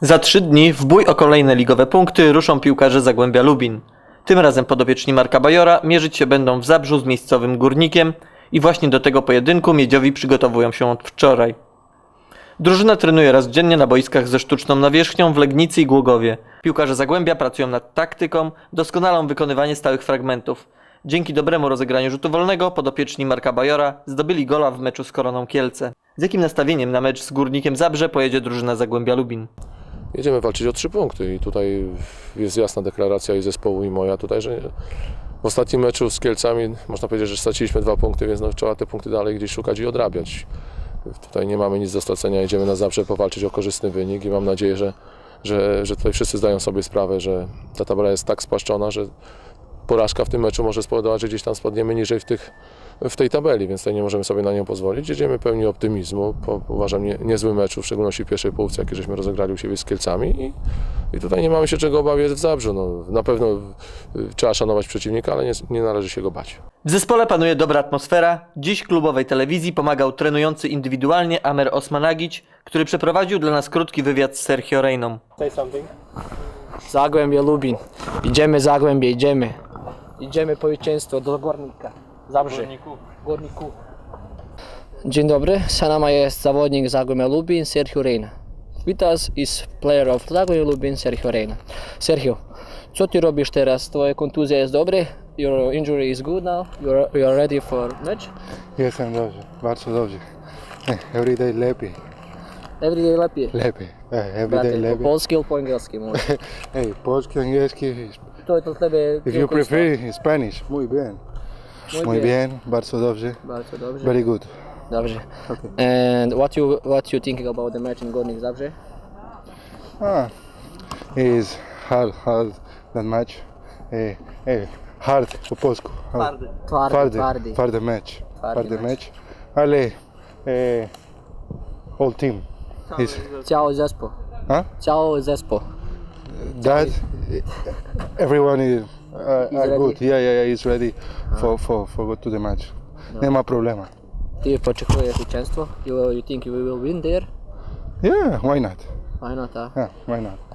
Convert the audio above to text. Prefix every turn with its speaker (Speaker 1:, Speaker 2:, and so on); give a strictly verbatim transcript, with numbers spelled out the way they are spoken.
Speaker 1: Za trzy dni w bój o kolejne ligowe punkty ruszą piłkarze Zagłębia Lubin. Tym razem podopieczni Marka Bajora mierzyć się będą w Zabrzu z miejscowym Górnikiem i właśnie do tego pojedynku Miedziowi przygotowują się od wczoraj. Drużyna trenuje raz dziennie na boiskach ze sztuczną nawierzchnią w Legnicy i Głogowie. Piłkarze Zagłębia pracują nad taktyką, doskonalą wykonywanie stałych fragmentów. Dzięki dobremu rozegraniu rzutu wolnego podopieczni Marka Bajora zdobyli gola w meczu z Koroną Kielce. Z jakim nastawieniem na mecz z Górnikiem Zabrze pojedzie drużyna Zagłębia Lubin?
Speaker 2: Jedziemy walczyć o trzy punkty i tutaj jest jasna deklaracja i zespołu i moja tutaj, że w ostatnim meczu z Kielcami można powiedzieć, że straciliśmy dwa punkty, więc no, trzeba te punkty dalej gdzieś szukać i odrabiać. Tutaj nie mamy nic do stracenia, jedziemy na Zabrze powalczyć o korzystny wynik i mam nadzieję, że, że, że tutaj wszyscy zdają sobie sprawę, że ta tabela jest tak spłaszczona, że porażka w tym meczu może spowodować, że gdzieś tam spadniemy niżej w, tych, w tej tabeli, więc tutaj nie możemy sobie na nią pozwolić. Jedziemy pełni optymizmu, po, uważam nie, niezły mecz, w szczególności w pierwszej połówce, jaki żeśmy rozegrali u siebie z Kielcami i, i tutaj nie mamy się czego obawiać w Zabrzu. No, na pewno trzeba szanować przeciwnika, ale nie, nie należy się go bać.
Speaker 1: W zespole panuje dobra atmosfera. Dziś klubowej telewizji pomagał trenujący indywidualnie Amer Osmanagić, który przeprowadził dla nas krótki wywiad z Sergio Reyną.
Speaker 3: Say something. Zagłębie Lubin. Idziemy Zagłębie, idziemy. Idziemy po zwycięstwo do Górnika. Zabrze. Górniku. Górniku. Dzień dobry, Sanama jest zawodnik Zagłębia Lubin, Sergio Reyna. With us is player of Zagłębia Lubin, Sergio Reyna. Sergio, co ty robisz teraz? Twoja kontuzja jest dobra? Your injury is good now? You're, you're ready for match?
Speaker 4: Jestem dobrze, bardzo dobrze. Every day lepiej.
Speaker 3: Every day lepiej.
Speaker 4: Lepiej. Every
Speaker 3: Brate,
Speaker 4: day
Speaker 3: po
Speaker 4: lepiej.
Speaker 3: polski albo po angielski mówię.
Speaker 4: Hey, polski, angielski.
Speaker 3: To dla ciebie
Speaker 4: If you prefer Spanish, muy bien.
Speaker 3: Muy
Speaker 4: Muy
Speaker 3: bien.
Speaker 4: bien, bardzo dobrze.
Speaker 3: Bardzo dobrze.
Speaker 4: Very good.
Speaker 3: Dobrze.
Speaker 4: Okay.
Speaker 3: And what you what you thinking about the match in Górnik Zabrze?
Speaker 4: Ah, is hard, hard that match. Hey, hey, hard po polsku.
Speaker 1: Twardy.
Speaker 3: Twardy,
Speaker 4: Twardy,
Speaker 3: twardy.
Speaker 4: twardy match.
Speaker 3: Twardy
Speaker 4: Twardy
Speaker 3: match.
Speaker 4: match. Ale eh, whole team is
Speaker 3: Ciao zespół.
Speaker 4: huh?
Speaker 3: Ciao zespół.
Speaker 4: That everyone is uh, are
Speaker 3: ready?
Speaker 4: good. Yeah, yeah, yeah. He's ready for for for go to the match. Nie ma problema.
Speaker 3: Ty poczekujesz zwycięstwo? You, you think you will win there?
Speaker 4: Yeah, why not?
Speaker 3: Why not? Huh?
Speaker 4: Yeah, why not?